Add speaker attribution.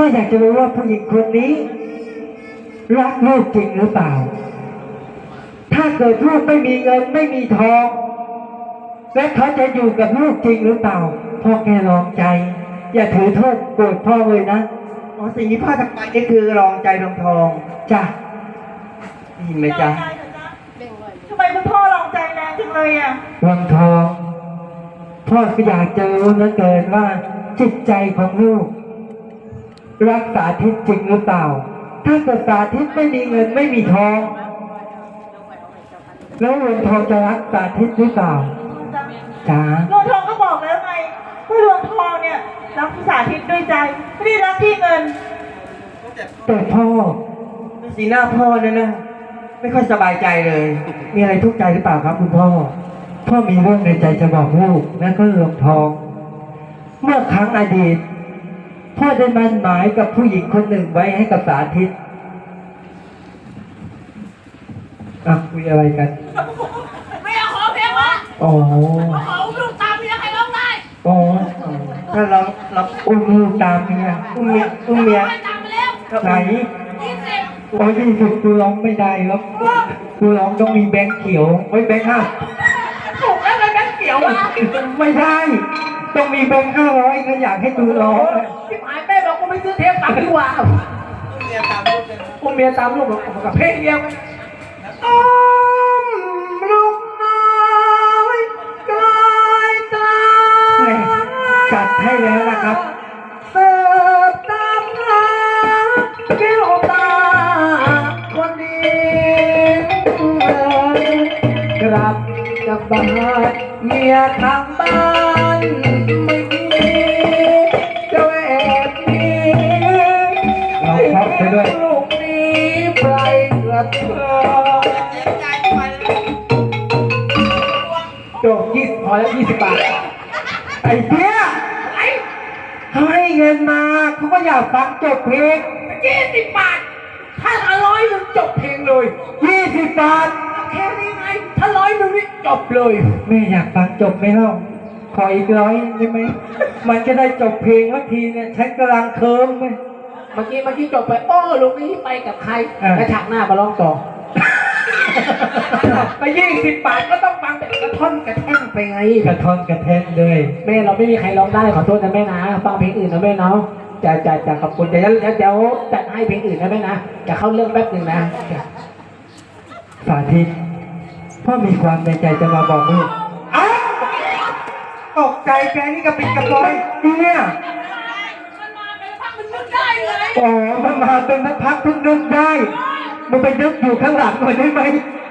Speaker 1: อยากจะรู้ว่าผู้หญิงคนนี้รักลูกจริงหรือเปล่าถ้าเกิดลูกไม่มีเงินไม่มีทองและเขาจะอยู่กับลูกจริงหรือเปล่าพ่อแค่ลองใจอย่าถือโทษโกรธพ่อเลยนะ
Speaker 2: อ๋อสิ่งที่พ่อทำไปนี่คือรองใจรองทอง
Speaker 1: จ้ะ
Speaker 2: ได้ยินไหมจ๊ะ
Speaker 3: ทำไมคุณพ่อลองใจแรงจังเลยอ่ะ
Speaker 1: วังทองพ่อก็อยากจะรู้เหลือเกินว่าจิตใจของลูกรักสาธิตจริงหรือเปล่าถ้าเกิดสาธิตไม่มีเงินไม่มีทองแล้ววังทองจะรักสาธิตหรือเปล่าจ้า
Speaker 3: หลวงทองก็บอกแล้วไงว่าหลวงทองเนี่ยรักสาธิตด้วยใจไม่ได้รักที่เงิน
Speaker 1: แต่พ่อ
Speaker 2: สีหน้าพ่อนั่นนะไม่ค่อยสบายใจเลย
Speaker 1: มีอะไรทุกข์ใจหรือเปล่าครับคุณพ่อพ่อมีเรื่องในใจจะบอกลูกนั่นก็เรื่องทองเมื่อครั้งอดีตพ่อได้มั่นหมายกับผู้หญิงคนหนึ่งไว้ให้กับสาธิตคุยอะไรกัน
Speaker 4: ไม่เอาขอเพลงวะ
Speaker 1: อ๋อ
Speaker 4: ขอลูกตามเมียใครร้องได้
Speaker 1: อ๋อ
Speaker 2: ถ้าเรา
Speaker 1: อุ้มลูกตามเมีย
Speaker 2: อุ้มเมีย
Speaker 4: ตามไปแล้ว
Speaker 1: ไหนโอ้20กูร้องไม่ได้แล้วกูร้องต้องมีแบงค์เขียวไว้แบงค์ห้า
Speaker 4: ถูกแล้วเลยแบงค์เขียวอ่ะ
Speaker 1: ไม่ได้ต้องมีแบงค์500ก็อยากให้ดูร้อง
Speaker 4: ที่หมายแม่บอกกูไม่ซื้อเทปตังค์ดีกว่า
Speaker 2: อุ้มเมียตามลูกกับเพลงเดียว
Speaker 1: ลูกน้อยกลายตาจัดให้แล้วนะครับเสิร์ฟตามหาแก้วตาคนดีกลับจากบ้านเมียทางบ้านไม่มีจะแอบมีเราชอบไปด้วยลูกนี้ไปกระเทยจบพอแล้ว20 บาทไอ้เปี้ยเขาให้เงินมาเขาก็อยากฟังจบเพลง
Speaker 4: 20 บาทถ้า100นึงจบเพลงเลย
Speaker 1: 20 บาท
Speaker 4: แค่นี้ไงถ้า100นึงนี่จบเลย
Speaker 1: ไม่อยากฟังจบไหมเล่าขออีก100ได้ไหมมันจะได้จบเพลงสักทีเนี่ยฉันกำลังเคิร์มไหม
Speaker 4: เมื่อกี้จบไปลูกนี้ไปกับใครแล้วฉากหน้ามาร้องต่อไป20 บาทก็ต้องฟังแต่กระท่อนกระแท่งไปไง
Speaker 1: กระท่อนกระแท่งเลย
Speaker 4: แม่เราไม่มีใครร้องได้ขอโทษนะแม่นะฟังเพลงอื่นนะแม่เนาะจะขอบคุณเดี๋ยวจัดให้เพลงอื่นนะแม่นะจะเข้าเรื่องแป๊บนึงนะ
Speaker 1: สาธิตพ่อมีความในใจจะมาบอกลูก
Speaker 2: ตกใจแกนี่กระปิดกระปอย
Speaker 1: เนี่ย
Speaker 4: มันมาเป็นพักมันนึกได้เลย
Speaker 1: มันมาเป็นพักเพิ่งนึกได้มันไปนึกอยู่ข้างหลังหน่อยได้ไหม